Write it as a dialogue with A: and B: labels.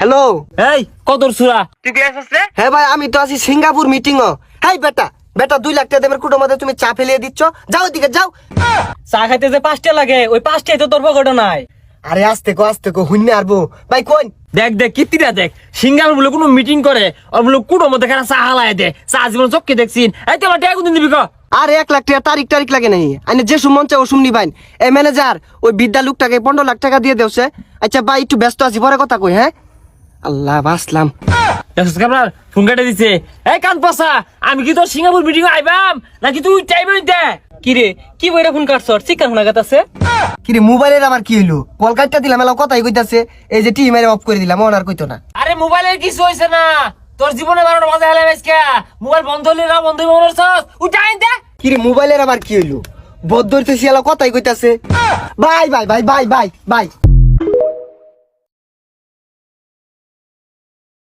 A: Hello
B: এই কদর সুরা
A: তুই কে আসছ রে? হ্যাঁ ভাই আমি তো আছি সিঙ্গাপুর মিটিং ও। হাই বেটা বেটা 2 লাখ টাকা দেবের কুটোর মধ্যে তুমি চা ফেলিয়ে দিচ্ছ, যাও দিকে যাও।
B: চা খাইতে যে 5টা লাগে ওই 5টাই তো তোর পকেটে নাই।
A: আরে আস্তে কো হুইনে আরবো ভাই কোন।
B: দেখ দেখ কিত্তিরা দেখ সিঙ্গাপুর বলে কোনো মিটিং করে আর বলে কুটোর মধ্যে খানা চা হালায় দে চা জীবন চোখকে দেখছিন। এই তো আমার টাকা কোনদিন দিবি ক?
A: আর 1 লাখ টাকা তারিখ লাগে নাই আইনে যে সুমন চাও সুমনি ভাই এই ম্যানেজার ওই বিদ্যা লোকটাকে 15 লাখ টাকা দিয়ে দেওছে। আচ্ছা ভাই একটু ব্যস্ত আছি পরে কথা কই। হ্যাঁ আল্লাহ বাসলাম।
B: দেখছিস কামরার ফোন কেটে দিছে। এই কান পসা আমি কি তোর সিঙ্গাপুর মিটিং আইবাম নাকি তুই টাইমে দে? কি রে কি বইরা ফোন কাটছ চিকার ফোন আগাতাছে?
A: কিরে মোবাইলের আমার কি হইলো? কল কাটটা দিলাম এলা কথাই কইতাছে। এই যে টি মেরে অফ করে দিলাম ওন আর কইতো না।
B: আরে মোবাইলের কিছু হইছে না তোর জীবনে 12টা বাজে হেলে আজকে মোবাইল বন্ধ হইলে না বন্ধ হইব মনে করছস উঠাই দে।
A: কিরে মোবাইলের আবার কি হইলো? বদ্ধ হইতেছি এলা কথাই কইতাছে। Bye bye bye bye bye by.